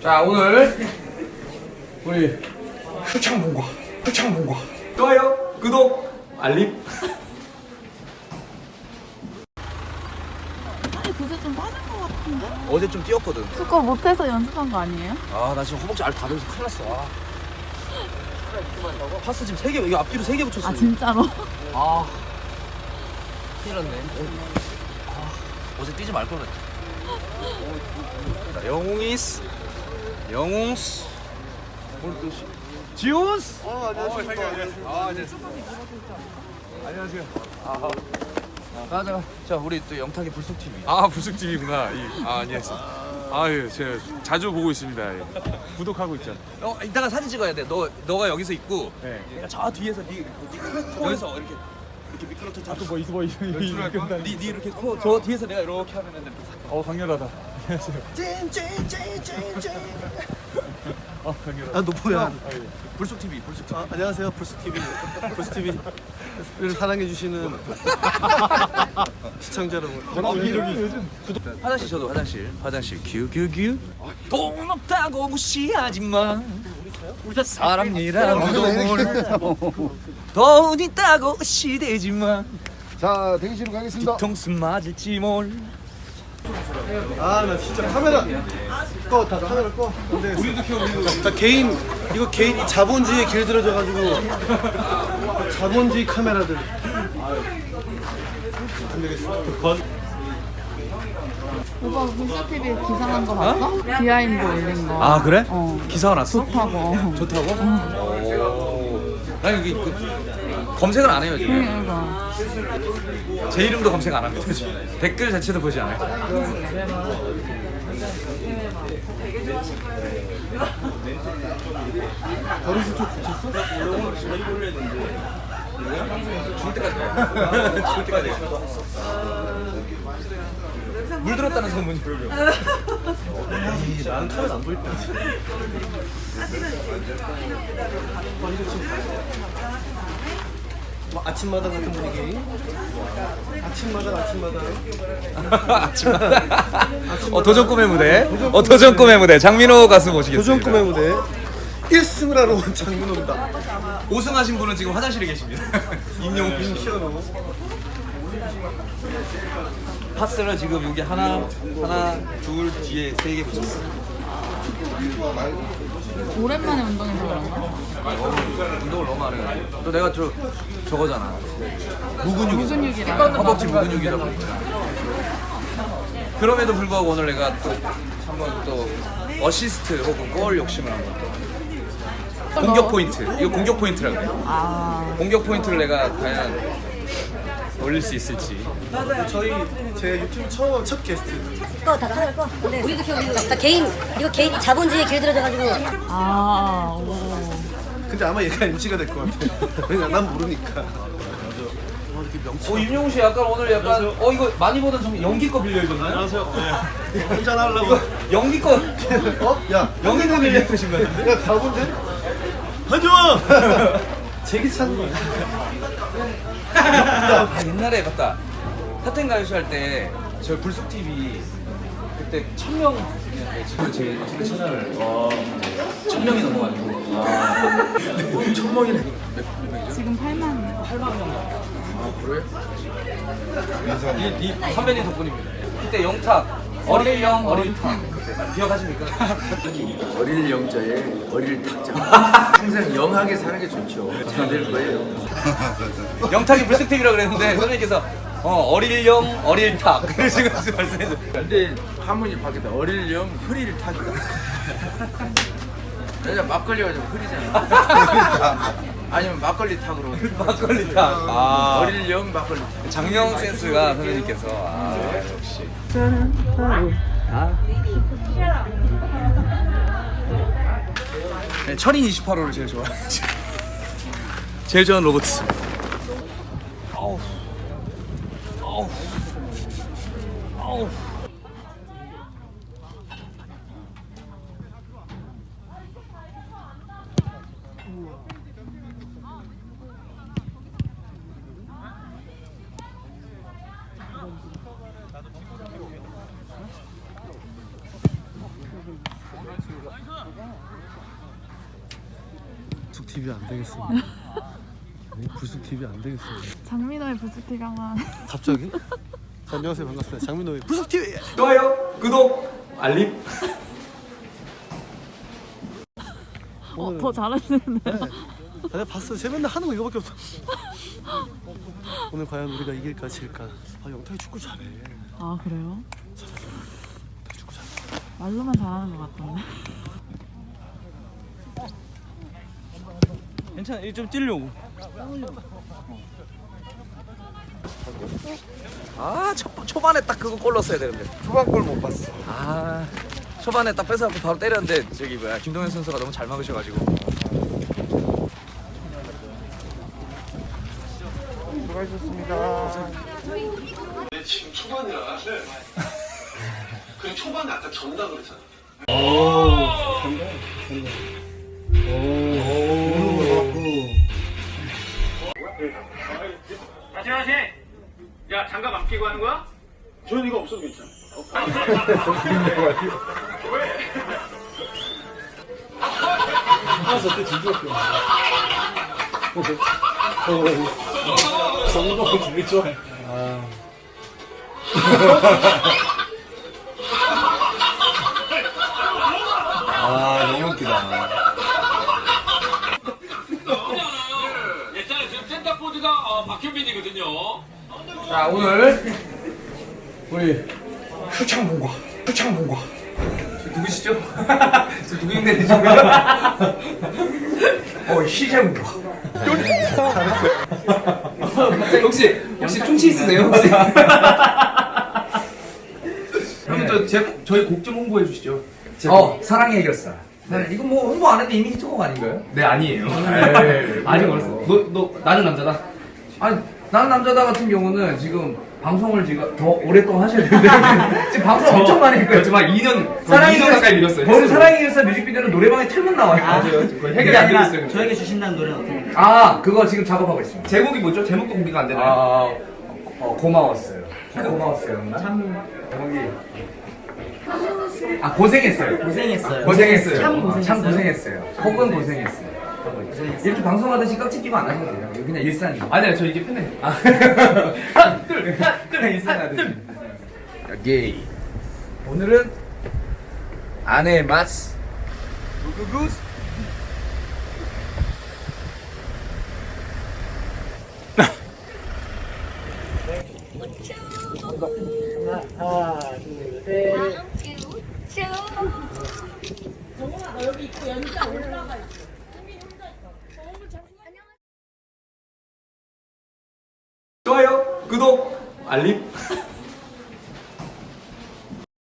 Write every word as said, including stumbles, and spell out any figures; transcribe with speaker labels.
Speaker 1: 자, 오늘 우리 표창본과 표창본과 좋아요, 구독, 알림.
Speaker 2: 아니 그새 좀 빠진 것 같은데?
Speaker 3: 어제 좀 뛰었거든.
Speaker 2: 축구 못해서 연습한 거 아니에요?
Speaker 3: 아, 나 지금 허벅지 알 다 베려서 큰일 났어. 아. 파스 지금 세 개, 이거 앞뒤로 세 개 붙였어.
Speaker 2: 아 진짜로?
Speaker 3: 아, 큰일 났네. 아, 어제 뛰지 말 걸 그랬다. 자, 영웅이스, 영웅스, 오늘 또 시- 지온스. 어, 안녕하세요. 아, 네. 안녕하세요. 아, 가자. 자, 우리 또 영탁의 불속 티비.
Speaker 4: 아, 불쑥집이구나. 이, 아, 안녕하세요. 아유, 제가 자주 보고 있습니다. 예. 구독하고 있죠.
Speaker 3: 어, 이따가 사진 찍어야 돼. 너, 너가 여기서 있고,
Speaker 4: 네.
Speaker 3: 내가 저 뒤에서 네, 네 코에서 이렇게 이렇게 미끄러져.
Speaker 4: 아, 또 뭐 있어, 뭐 있어.
Speaker 3: 네, 네 이렇게 코, 저 뒤에서 내가 이렇게 하면은.
Speaker 4: 어, 강렬하다. 안녕하세요.
Speaker 3: 찐찐찐찐찐.
Speaker 4: 어, 강렬하다.
Speaker 5: 아, 너 뭐야?
Speaker 4: 아, 예.
Speaker 3: 불속 티비, 불속 티비.
Speaker 5: 아, 안녕하세요. 불스티비. 불스티비를 사랑해주시는 시청자 여러분.
Speaker 4: 저는 왜 저기 요즘
Speaker 3: 화장실 저도 화장실. 화장실 큐큐큐. 돈 없다고 무시하지 마. 사람이란 돈. 돈 있다고 시대지 마.
Speaker 6: 자, 대기실로 가겠습니다.
Speaker 3: 뒤통수 맞을지 몰.
Speaker 5: 아, 나 진짜 카메라 꺼, 다 카메라 꺼. 근데 우리도 켜, 우리도. 나 개인 이거 개인 이 자본주의에 길들여져가지고 자본주의 카메라들. 안 되겠어.
Speaker 2: 오빠 불스티비 기사 난 거 봤어? 비하인드 올린 거.
Speaker 3: 아, 그래?
Speaker 2: 어.
Speaker 3: 기사가 났어?
Speaker 2: 좋다고.
Speaker 3: 좋다고? 오. 아니 이게 그, 검색을 안 해요 지금.
Speaker 2: 그러니까.
Speaker 3: 제 이름도 검색 안 합니다. 댓글 자체도 보지 않아요.
Speaker 5: 버릇을 좀 고쳤어?
Speaker 3: 죽을 때까지 가요. 죽을 때까지 가요. 물 들었다는 소문이.
Speaker 5: 에이, 나는 카메라 안 보일 거야. 뭐 아침마당 같은 분위기. 아침마당, 아침마당.
Speaker 3: 아침마다. 어, 도전 꿈의 무대. 어, 도전 꿈의 무대. 장민호 가수 모시겠습니다.
Speaker 5: 도전 꿈의 무대. 일 승을 하러 온 장민호입니다.
Speaker 3: 우승하신 분은 지금 화장실에 계십니다. 임영웅 씨.
Speaker 5: 시원호.
Speaker 3: 파스를 지금 여기 하나, 하나, 둘 뒤에 세 개 붙였어.
Speaker 2: 오랜만에 운동해서 그런가?
Speaker 3: 운동을 너무 안 해. 또 내가 저 저거잖아. 무근육이잖아.
Speaker 2: 무근육이라.
Speaker 3: 허벅지 무근육이다 보니까. 그럼에도 불구하고 오늘 내가 또 한번 또 어시스트 혹은 골 욕심을 한번 또 공격 포인트. 이거 공격 포인트라고 해요.
Speaker 2: 아.
Speaker 3: 공격 포인트를 내가 과연 올릴 수 있을지.
Speaker 5: 저희 제 유튜브 처음 첫 게스트.
Speaker 7: 꺼, 다 카메라 꺼. 우리도 켜, 우리도. 다 개인, 이거 개인 자본주의에 길들여져가지고.
Speaker 2: 아. 오.
Speaker 5: 근데 아마 얘가 엠씨가 될 것 같아. 왜냐, 난 모르니까.
Speaker 3: 어, 임영웅 씨 약간 오늘 약간 어 이거 많이 보던 좀 연기 거 빌려줬나요?
Speaker 5: 안녕하세요. 네. 한잔 하려고.
Speaker 3: 연기 거
Speaker 5: 어? 야,
Speaker 3: 연기 거 빌려주신 거예요?
Speaker 5: 야, 가본데? 하지마! 제기 찾는 거야.
Speaker 3: 아, 옛날에 맞다. 사텐 가요쇼 할 때 저 불쑥 티비 그때 천 명 지금 제 유튜브 채널을 천 명이 넘어가지고 천 명이네.
Speaker 2: 지금 팔만.
Speaker 3: 아 그래? 이, 이 선배님 덕분입니다. 그때 영탁 어릴 영 어릴 탁 기억하십니까?
Speaker 6: 어릴 영자에 어릴 탁자. 항상 영하게 사는 게 좋죠. 잘 될 거예요.
Speaker 3: 영탁이 불쑥 티비라 그랬는데 선생님께서 어 어릴 영 어릴 탁 그러시고 말씀해서
Speaker 6: 근데 한문이 바뀌었다. 어릴 영 흐릴 탁이다. 여자 막걸리가 좀 흐리잖아. 아니면 막걸리 탁으로.
Speaker 3: 막걸리 탁. 아
Speaker 6: 어릴 영 막걸리 탁.
Speaker 3: 장명 센스가 선생님께서 아 역시. 네, 철인 이십팔 호를 제일 좋아해요. 제일 좋아하는 로봇. 아우. 아우. 아우.
Speaker 5: 티비 안 되겠어. 네, 불쑥 티비 안 되겠어.
Speaker 2: 장민호의 부스티가만.
Speaker 5: 갑자기? 자, 안녕하세요, 반갑습니다. 장민호의 불쑥 티비.
Speaker 1: 좋아요, 구독, 알림.
Speaker 2: 어, 더 잘하시는데요?
Speaker 5: 네. 아, 내가 봤어. 쟤 맨날 하는 거 이거밖에 없어. 오늘 과연 우리가 이길까 질까? 아, 영탁이 축구 잘해.
Speaker 2: 아 그래요?
Speaker 5: 축구 잘해.
Speaker 2: 말로만 잘하는 것 같던데.
Speaker 3: 괜찮아. 이거 좀 뛰려고. 아 초, 초반에 딱 그거 골 넣었어야 되는데.
Speaker 5: 초반 골 못 봤어.
Speaker 3: 아 초반에 딱 뺏어갖고 바로 때렸는데 저기 뭐야 김동현 선수가 너무 잘 막으셔가지고.
Speaker 8: 네, 지금 초반이라. 네. 그 초반에 아까 전다 그랬잖아.
Speaker 9: 다시 다시. 야 장갑 안 끼고 하는 거야?
Speaker 8: 저는 이거 없어도 괜찮아.
Speaker 3: 아 너무 웃기다.
Speaker 9: 예전에 지금 센터포드가 어, 박현빈이거든요.
Speaker 1: 자, 오늘 우리 표창봉과 표창봉과
Speaker 3: 누구시죠? 저 누구인데 지금?
Speaker 1: 어 희재봉과.
Speaker 3: 혹시 혹시 충치 있으세요? 혹시?
Speaker 1: 형님 저 제, 저희 곡 좀 홍보해 주시죠.
Speaker 3: 어 사랑의 해결사. 네. 이거 뭐 홍보 안 했는데 이미 히트곡 아닌가요?
Speaker 1: 네 아니에요.
Speaker 3: 아직 어렸어. 너, 너 나는 남자다. 아니 나는 남자다 같은 경우는 지금 방송을 지금 더 오랫동안 하셔야 되는데 지금 방송 엄청 많이 했고요.
Speaker 1: 정말 이 년
Speaker 3: 사랑의
Speaker 1: 이 년 가까이 밀었어요.
Speaker 3: 저는 사랑의 일사 뮤직비디오는 노래방에 틀면 나와요.
Speaker 1: 거의 해결이 안 되고 있어요.
Speaker 10: 저에게 주신다는 노래는 어떻게?
Speaker 3: 아 그거 지금 작업하고 있습니다.
Speaker 1: 제목이 뭐죠? 제목도 공개가 안 되나요?
Speaker 3: 아 어, 고마웠어요. 고마웠어요. 참 제목이 아 고생했어요.
Speaker 10: 고생했어요.
Speaker 3: 고생했어요.
Speaker 10: 참
Speaker 3: 어,
Speaker 10: 고생했어요.
Speaker 3: 참 고생했어요. 혹은 고생했어요. 이렇게 방송하듯이 깍지 끼고 안 하셔도 돼요. 이거 그냥 일상이에요.
Speaker 1: 아니요 저 이게 편해.
Speaker 3: 아. 하나 둘 하나 둘 일상하듯이. 게이. 오늘은 아내의 맛. 구구구스.
Speaker 1: 좋아요, 구독, 알림.